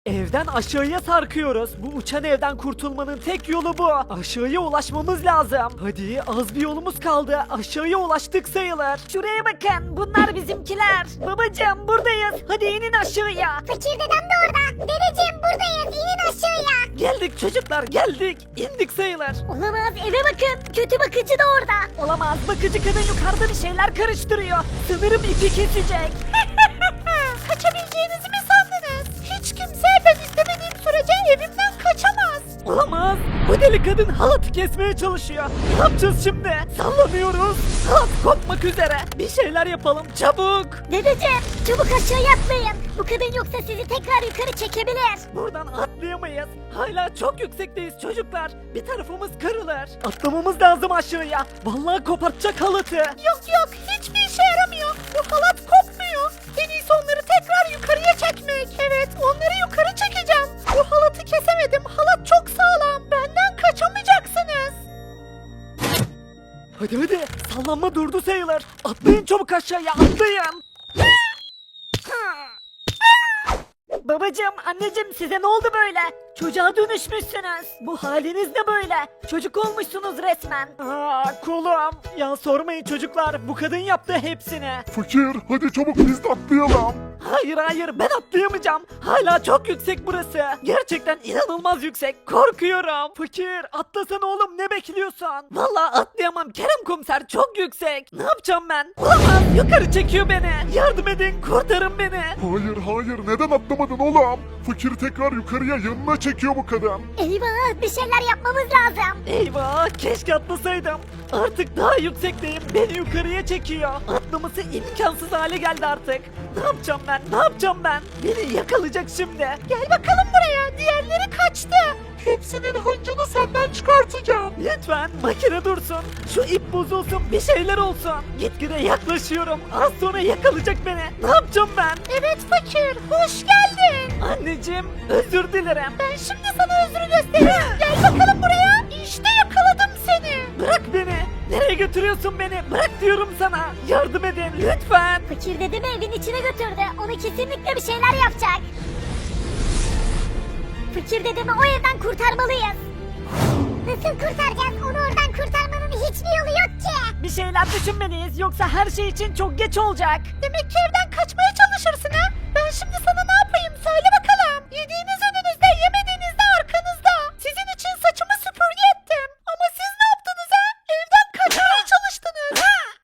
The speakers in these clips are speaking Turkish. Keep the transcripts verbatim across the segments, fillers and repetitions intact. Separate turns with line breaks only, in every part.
Evden aşağıya sarkıyoruz. Bu uçan evden kurtulmanın tek yolu bu. Aşağıya ulaşmamız lazım. Hadi az bir yolumuz kaldı. Aşağıya ulaştık sayılır. Şuraya bakın. Bunlar bizimkiler. Babacığım buradayız. Hadi inin aşağıya.
Fakir dedem de orada. Dedeciğim buradayız. İnin aşağıya.
Geldik çocuklar geldik. İndik sayılır.
Olamaz, eve bakın. Kötü bakıcı da orada.
Olamaz, bakıcı kadın yukarıda bir şeyler karıştırıyor. Sanırım ipi kesecek.
Kaçabileceğinizi mi sandınız? Hiç kimse ben istemediğim sürece evimden kaçamaz.
Olamaz. Bu deli kadın halatı kesmeye çalışıyor. Ne yapacağız şimdi? Sallanıyoruz. Halat kopmak üzere. Bir şeyler yapalım çabuk.
Dedeciğim, çabuk aşağıya atlayın. Bu kadın yoksa sizi tekrar yukarı çekebilir.
Buradan atlayamayız. Hala çok yüksekteyiz çocuklar. Bir tarafımız kırılır. Atlamamız lazım aşağıya. Vallahi kopartacak halatı.
Yok yok, hiçbir işe yaramıyor. Bu halat kopmuyor. En iyisi onları tekrar yukarıya çekmek. Evet, onları yukarı çekeceğim. Bu halatı kesemedim. Halat çok sağlam. Benden kaçamayacaksınız.
Hadi hadi. Sallanma durdu sayılır. Atlayın çabuk aşağıya atlayın. Babacım, anneciğim size ne oldu böyle? Çocuğa dönüşmüşsünüz. Bu haliniz ne böyle? Çocuk olmuşsunuz resmen. Aa, kolum. Ya sormayın çocuklar. Bu kadın yaptı hepsini.
Fakir hadi çabuk biz de atlayalım.
Hayır hayır ben atlayamayacağım. Hala çok yüksek burası. Gerçekten inanılmaz yüksek. Korkuyorum. Fakir atlasana oğlum ne bekliyorsun? Vallahi atlayamam Kerem komiser çok yüksek. Ne yapacağım ben? Olamaz yukarı çekiyor beni. Yardım edin kurtarın beni.
Hayır hayır neden atlamadın oğlum? Fakir tekrar yukarıya yanına çekiyor bu kadın.
Eyvah, bir şeyler yapmamız lazım.
Eyvah keşke atlasaydım. Artık daha yüksekteyim. Beni yukarıya çekiyor. Atlaması imkansız hale geldi artık. Ne yapacağım ben? Ne yapacağım ben? Beni yakalayacak şimdi.
Gel bakalım buraya. Diğerleri kaçtı.
Hepsinin hıncını senden çıkartacağım.
Lütfen makine dursun. Şu ip bozulsun bir şeyler olsun. Gitgide yaklaşıyorum. Az sonra yakalayacak beni. Ne yapacağım ben?
Evet fakir, hoş geldin.
Anneciğim özür dilerim.
Ben şimdi sana özrü göstereyim. Gel bakalım buraya. İşte yakaladım seni.
Bırak beni. Nereye götürüyorsun beni? Bırak diyorum sana. Yardım edin lütfen.
Fakir dedemi evin içine götürdü. Onu kesinlikle bir şeyler yapacak. Fakir dedemi o evden kurtarmalıyız. Nasıl kurtaracağız? Onu oradan kurtarmanın hiçbir yolu yok ki.
Bir şeyler düşünmeliyiz yoksa her şey için çok geç olacak.
Demek ki evden kaçmaya çalışırsın ha? Ben şimdi sana ne yapayım söyle bakalım. Yediğiniz önünüzde, yemediğiniz de arkanızda. Sizin için saçımı süpürge ettim. Ama siz ne yaptınız ha? Evden kaçmaya çalıştınız.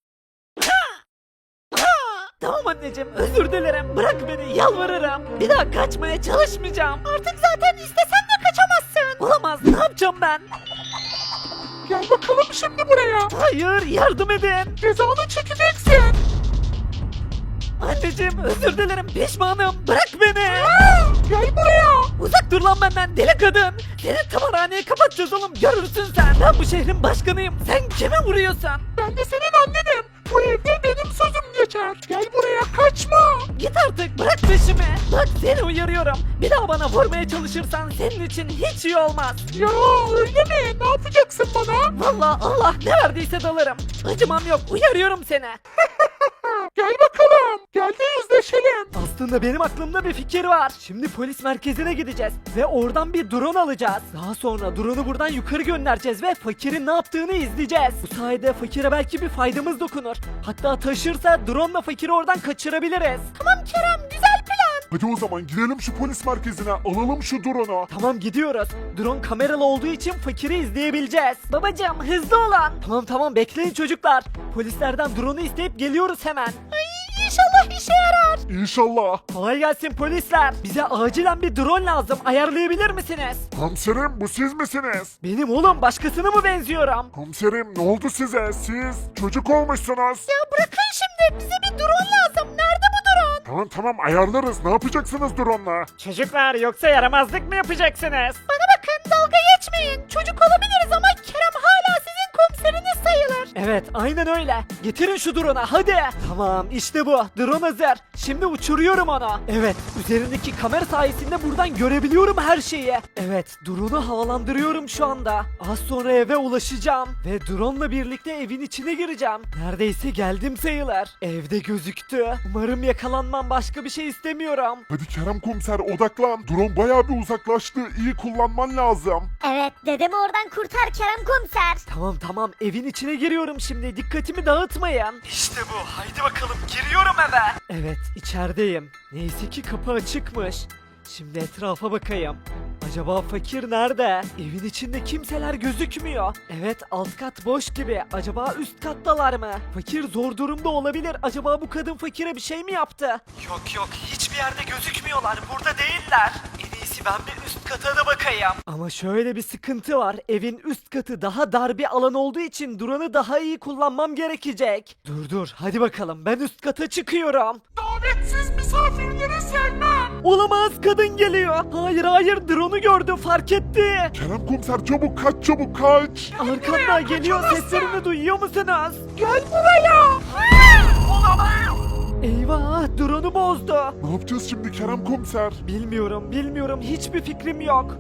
Tamam anneciğim özür dilerim. Bırak beni yalvarırım. Bir daha kaçmaya çalışmayacağım.
Artık zaten istesen de kaçamazsın.
Olamaz ne yapacağım ben?
Gel bakalım şimdi buraya.
Hayır yardım edin.
Cezanı çekeceksin.
Anneciğim özür dilerim pişmanım. Bırak beni.
Gel buraya.
Uzak dur lan benden deli kadın. Seni tımarhaneye kapatacağız oğlum görürsün sen. Ben bu şehrin başkanıyım. Sen kime vuruyorsun?
Ben de senin annenim. Bu evde benim sözüm geçer. Gel buraya kaçma.
Git artık bırak peşimi. Bak seni uyarıyorum. Bir daha bana vurmaya çalışırsan senin için hiç iyi olmaz.
Ya öyle mi? Ne yapacaksın bana?
Vallahi Allah ne verdiyse dalarım. Acımam yok uyarıyorum seni.
Gel bakalım. Gel de yüzleşelim.
Aslında benim aklımda bir fikir var. Şimdi polis merkezine gideceğiz ve oradan bir drone alacağız. Daha sonra drone'u buradan yukarı göndereceğiz ve fakirin ne yaptığını izleyeceğiz. Bu sayede fakire belki bir faydamız dokunur. Hatta taşırsa drone'la fakiri oradan kaçırabiliriz.
Tamam Kerem, güzel plan.
Hadi o zaman gidelim şu polis merkezine. Alalım şu drone'u.
Tamam gidiyoruz. Drone kameralı olduğu için fakiri izleyebileceğiz. Babacığım hızlı olun. Tamam tamam bekleyin çocuklar. Polislerden drone'u isteyip geliyoruz hemen.
Ay inşallah işe yarar.
İnşallah.
Kolay gelsin polisler. Bize acilen bir drone lazım. Ayarlayabilir misiniz?
Komiserim bu siz misiniz?
Benim oğlum başkasına mı benziyorum?
Komiserim ne oldu size? Siz çocuk olmuşsunuz.
Ya bırakın şimdi, bize bir drone lazım. Nerede bu drone?
Tamam tamam ayarlarız. Ne yapacaksınız drone'la?
Çocuklar yoksa yaramazlık mı yapacaksınız?
Bana bakın, dalga geçmeyin. Çocuk olabiliriz ama Kerem hala sizin komiseriniz sayılır.
Evet aynen öyle. Getirin şu drone'a hadi. Tamam işte bu. Drone hazır. Şimdi uçuruyorum onu. Evet üzerindeki kamera sayesinde buradan görebiliyorum her şeyi. Evet drone'u havalandırıyorum şu anda. Az sonra eve ulaşacağım. Ve drone'la birlikte evin içine gireceğim. Neredeyse geldim sayılır. Evde gözüktü. Umarım yakalanmam, başka bir şey istemiyorum.
Hadi Kerem komiser odaklan. Drone bayağı bir uzaklaştı. İyi kullanman lazım.
Evet dedemi oradan kurtar Kerem komiser.
Tamam tamam evin içine giriyorum şimdi, dikkatimi dağıtmayın. İşte bu, haydi bakalım giriyorum eve. Evet içerideyim. Neyse ki kapı açıkmış. Şimdi etrafa bakayım. Acaba fakir nerede? Evin içinde kimseler gözükmüyor. Evet alt kat boş gibi. Acaba üst kattalar mı? Fakir zor durumda olabilir. Acaba bu kadın fakire bir şey mi yaptı? Yok yok hiçbir yerde gözükmüyorlar. Burada değiller. En iyisi ben bir üst kata da bakayım. Ama şöyle bir sıkıntı var. Evin üst katı daha dar bir alan olduğu için drone'u daha iyi kullanmam gerekecek. Dur dur hadi bakalım ben üst kata çıkıyorum.
Davetsiz misafirleri sevmem.
Olamaz, kadın geliyor. Hayır hayır drone'u gördü, fark etti.
Kerem komiser çabuk kaç çabuk kaç.
Arkamdan geliyor, seslerini duyuyor musunuz?
Gel buraya.
Eyvah drone'u bozdu.
Ne yapacağız şimdi Kerem komiser?
Bilmiyorum bilmiyorum hiçbir fikrim yok.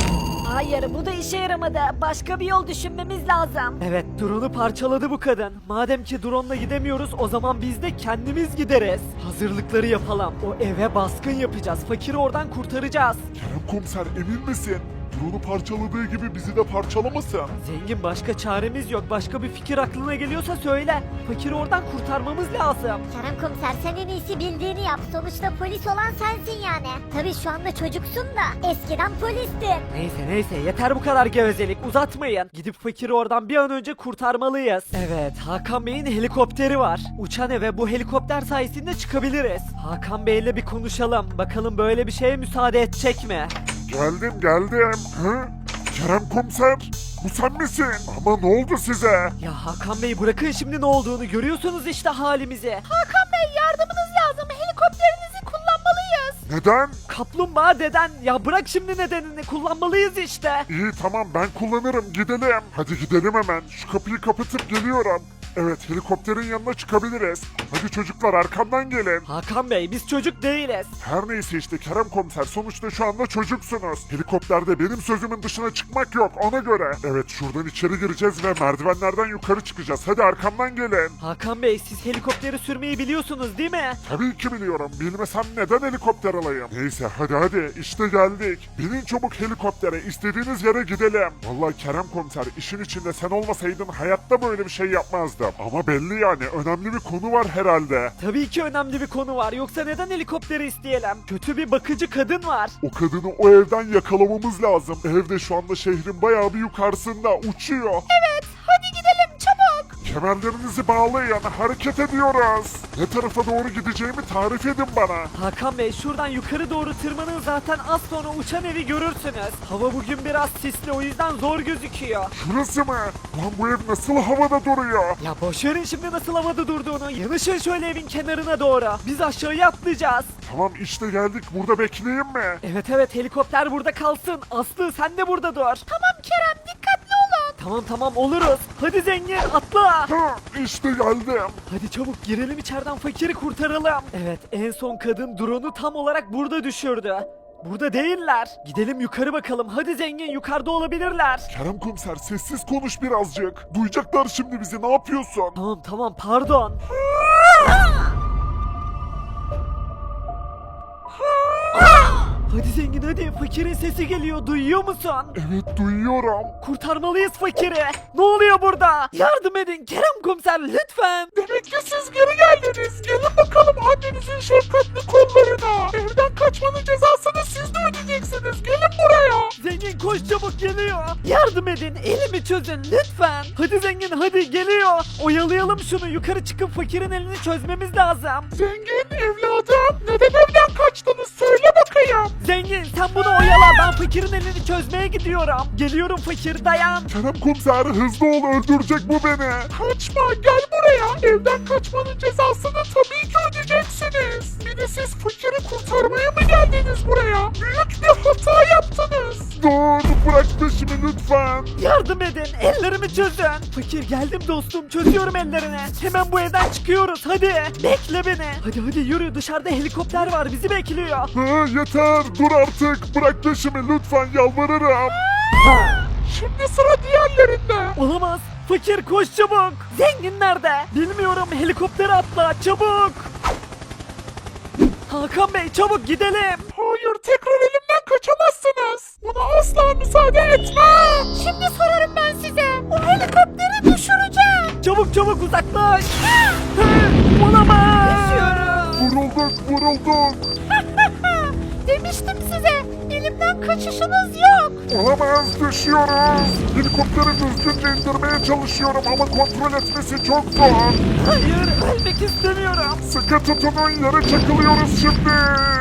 Hayır bu da işe yaramadı. Başka bir yol düşünmemiz lazım.
Evet drone'u parçaladı bu kadın. Madem ki drone'la gidemiyoruz o zaman biz de kendimiz gideriz. Hazırlıkları yapalım. O eve baskın yapacağız. Fakiri oradan kurtaracağız.
Kerem komiser emin misin? Drone'u parçaladığı gibi bizi de parçalamasın.
Zengin başka çaremiz yok. Başka bir fikir aklına geliyorsa söyle. Fakiri oradan kurtarmamız lazım.
Kerem komiser sen en iyisi bildiğini yap. Sonuçta polis olan sensin yani. Tabii şu anda çocuksun da eskiden polistin.
Neyse neyse yeter bu kadar gevezelik, uzatmayın. Gidip fakiri oradan bir an önce kurtarmalıyız. Evet Hakan Bey'in helikopteri var. Uçan eve bu helikopter sayesinde çıkabiliriz. Hakan Bey'le bir konuşalım. Bakalım böyle bir şeye müsaade edecek mi?
Geldim geldim. Hı? Kerem komiser bu sen misin? Ama ne oldu size?
Ya Hakan Bey bırakın şimdi ne olduğunu, görüyorsunuz işte halimizi.
Hakan Bey yardımınız lazım. Helikopterinizi kullanmalıyız.
Neden?
Kaplumbağa deden, ya bırak şimdi nedenini, kullanmalıyız işte.
İyi tamam ben kullanırım gidelim. Hadi gidelim hemen. Şu kapıyı kapatıp geliyorum. Evet helikopterin yanına çıkabiliriz. Hadi çocuklar arkamdan gelin.
Hakan Bey biz çocuk değiliz.
Her neyse işte Kerem komiser sonuçta şu anda çocuksunuz. Helikopterde benim sözümün dışına çıkmak yok ona göre. Evet şuradan içeri gireceğiz ve merdivenlerden yukarı çıkacağız. Hadi arkamdan gelin.
Hakan Bey siz helikopteri sürmeyi biliyorsunuz değil mi?
Tabii ki biliyorum. Bilmesem neden helikopter alayım? Neyse hadi hadi işte geldik. Binin çabuk helikoptere istediğiniz yere gidelim. Vallahi Kerem komiser işin içinde sen olmasaydın hayatta böyle bir şey yapmazdım. Ama belli yani önemli bir konu var herhalde.
Tabii ki önemli bir konu var. Yoksa neden helikopteri isteyelim? Kötü bir bakıcı kadın var.
O kadını o evden yakalamamız lazım. Evde şu anda şehrin bayağı bir yukarısında uçuyor.
Evet hadi gidelim çabuk.
Kemerlerinizi bağlayın hareket ediyoruz. Ne tarafa doğru gideceğimi tarif edin bana.
Hakan Bey şuradan yukarı doğru tırmanın, zaten az sonra uçan evi görürsünüz. Hava bugün biraz sisli, o yüzden zor gözüküyor.
Şurası mı? Lan bu ev nasıl havada duruyor?
Ya boşverin şimdi nasıl havada durduğunu. Yanaşın şöyle evin kenarına doğru. Biz aşağıya atlayacağız.
Tamam işte geldik burada bekleyeyim mi?
Evet evet helikopter burada kalsın. Aslı sen de burada dur.
Tamam Kerem dikkatli olun.
Tamam tamam oluruz. Hadi zengin atla.
Ha, işte geldim.
Hadi çabuk girelim içeriden, fakiri kurtaralım. Evet en son kadın drone'u tam olarak burada düşürdü. Burada değiller. Gidelim yukarı bakalım. Hadi zengin yukarıda olabilirler.
Kerem komiser sessiz konuş birazcık. Duyacaklar şimdi bizi ne yapıyorsun?
Tamam tamam pardon. Hadi zengin hadi, fakirin sesi geliyor, duyuyor musun?
Evet duyuyorum.
Kurtarmalıyız fakiri. Ne oluyor burada? Yardım edin Kerem komiser lütfen.
Demek ki siz geri geldiniz. Gelin bakalım annenizin şefkatli kollarına. Evden kaçmanın cezasını siz de ödeyeceksiniz. Gelin buraya.
Zengin koş çabuk, geliyor. Yardım edin, elimi çözün lütfen. Hadi zengin hadi, geliyor. Oyalayalım şunu, yukarı çıkıp fakirin elini çözmemiz lazım.
Zengin evladım neden evden kaçtınız söyle bakayım.
Zengin sen bunu oyala, ben fakirin elini çözmeye gidiyorum. Geliyorum fakir, dayan.
Kerem komiser hızlı ol öldürecek bu beni. Kaçma gel buraya. Evden kaçmanın cezasını tabii ki ödeyeceksiniz. Bir de siz fakiri kurtarmaya mı geldiniz buraya? Büyük bir hata yaptınız. Dur bırak peşimi lütfen.
Yardım edin, ellerimi çözün. Fakir geldim dostum, çözüyorum ellerini. Hemen bu evden çıkıyoruz, hadi. Bekle beni. Hadi hadi yürü, dışarıda helikopter var, bizi bekliyor.
Ha, yeter dur artık. Bırak peşimi lütfen yalvarırım. Şimdi sıra diğerlerinde.
Olamaz. Fakir koş çabuk. Zengin nerede? Bilmiyorum, helikoptere atla çabuk. Hakan Bey çabuk gidelim.
Hayır tekrar elimden kaçamazsınız. Buna asla müsaade etmem.
Şimdi sorarım ben size. O helikopteri düşüreceğim.
Çabuk çabuk uzaklaş. Hı, Olamaz.
Vurulduk vurulduk.
Demiştim size. Elimden kaçışınız yok.
Olamaz düşüyoruz. Helikopteri düzgünce indirmeye çalışıyorum ama kontrol etmesi çok zor.
Hayır, ölmek istemiyorum.
Sıkı tutunun yere çakılıyoruz şimdi.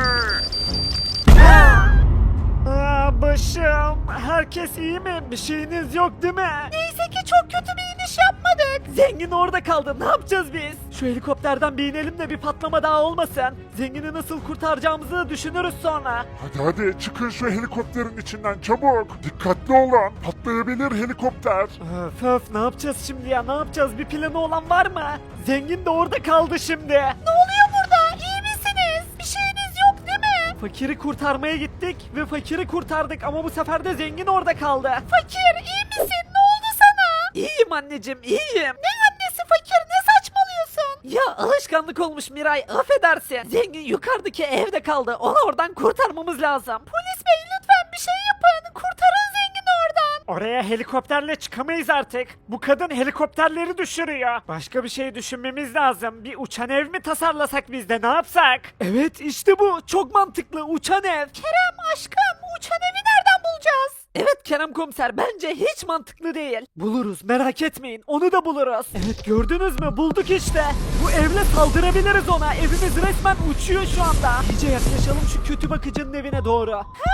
Aa, başım. Herkes iyi mi? Bir şeyiniz yok değil mi?
Neyse ki çok kötü bir iniş yapmadık.
Zengin orada kaldı. Ne yapacağız biz? Şu helikopterden bir inelim de bir patlama daha olmasın. Zengini nasıl kurtaracağımızı düşünürüz sonra.
Hadi hadi çıkın şu helikopterin içinden çabuk. Dikkatli olun. Patlayabilir helikopter.
Öf öf, ne yapacağız şimdi ya? Ne yapacağız? Bir planı olan var mı? Zengin de orada kaldı şimdi.
Ne oluyor burada? İyi misiniz? Bir şeyiniz yok değil mi?
Fakiri kurtarmaya gittik ve fakiri kurtardık ama bu sefer de zengin orada kaldı.
Fakir iyi misin? Ne oldu sana?
İyiyim anneciğim, iyiyim.
Ne annesi fakir? Ne saçmalıyorsun?
Ya alışkanlık olmuş Miray, affedersin. Zengin yukarıdaki evde kaldı. Onu oradan kurtarmamız lazım.
Polis bey lütfen bir şey yapın. Kurtarın zengini oradan.
Oraya helikopterle çıkamayız artık. Bu kadın helikopterleri düşürüyor. Başka bir şey düşünmemiz lazım. Bir uçan ev mi tasarlasak biz de, ne yapsak? Evet işte bu. Çok mantıklı, uçan ev.
Kerem aşkım uçan evi nereden bulacağız?
Evet Kerem komiser, bence hiç mantıklı değil. Buluruz, merak etmeyin, onu da buluruz. Evet gördünüz mü, bulduk işte. Bu evle saldırabiliriz ona. Evimiz resmen uçuyor şu anda. İyice yaklaşalım şu kötü bakıcının evine doğru.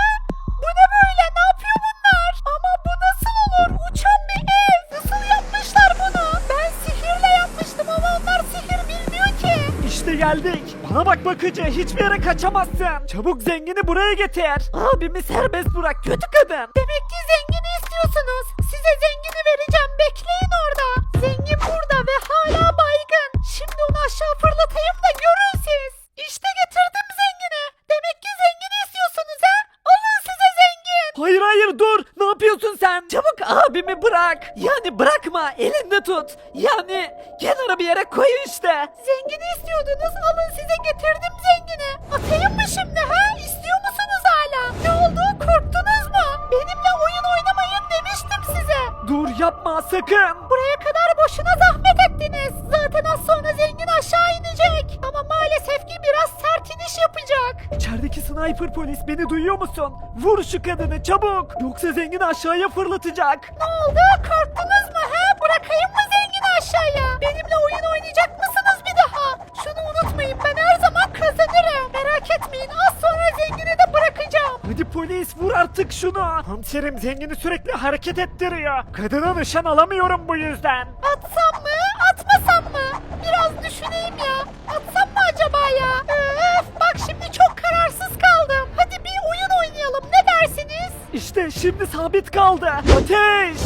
Bu ne böyle? Ne yapıyor bunlar? Ama bu nasıl olur? Uçan bir ev. Nasıl yapmışlar bunu? Ben sihirle yapmıştım ama onlar sihir bilmiyor ki.
İşte geldik. Bana bak bakıcı, hiçbir yere kaçamazsın. Çabuk zengini buraya getir. Abimi serbest bırak, kötü kadın.
Demek ki zengini istiyorsunuz. Size zengini vereceğim. Bekleyin orada. Zengin burada ve hala baygın. Şimdi onu aşağı fırlatayım da görün siz. İşte getirdim zengini. Demek ki zengini istiyorsunuz ha? Alın size zengin.
Hayır hayır dur, ne yapıyorsun sen? Çabuk abimi bırak. Yani bırakma, elinde tut. Yani kenara bir yere koy işte.
Zengini istiyordunuz. Alın size getirdim zengini. Atayım mı şimdi ha? İstiyor musunuz hala? Ne oldu? Korktunuz mu? Benimle oyun oynamayın demiştim size.
Dur yapma sakın.
Buraya kadar boşuna zahmet ettiniz. Zaten az sonra zengin aşağı inecek. Ama maalesef ki biraz sert iniş yapacak.
İçerideki sniper polis, beni duyuyor musun? Vur şu kadını çabuk. Yoksa zengin aşağıya fırlatacak.
Ne oldu? Korktunuz mu he? Bırakayım mı zengini aşağıya? Benimle oyun oynayacak mısınız bir daha? Şunu unutmayın, ben her zaman kazanırım. Merak etmeyin, az sonra zengini de bırakacağım.
Hadi polis vur artık şunu. Komiserim zengini sürekli hareket ettiriyor. Kadına nişan alamıyorum bu yüzden.
Atsam mı? Atmasam mı? Biraz düşüneyim ya. Atsam mı acaba ya? Öf, bak şimdi çok kararsız kaldım. Hadi bir oyun oynayalım, ne dersiniz?
İşte şimdi sabit kaldı. Ateş!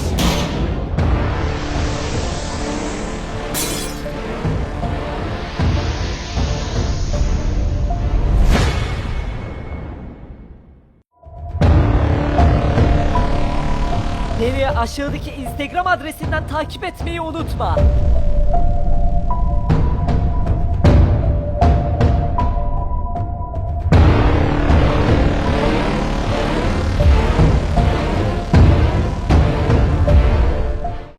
Beni aşağıdaki Instagram adresinden takip etmeyi unutma.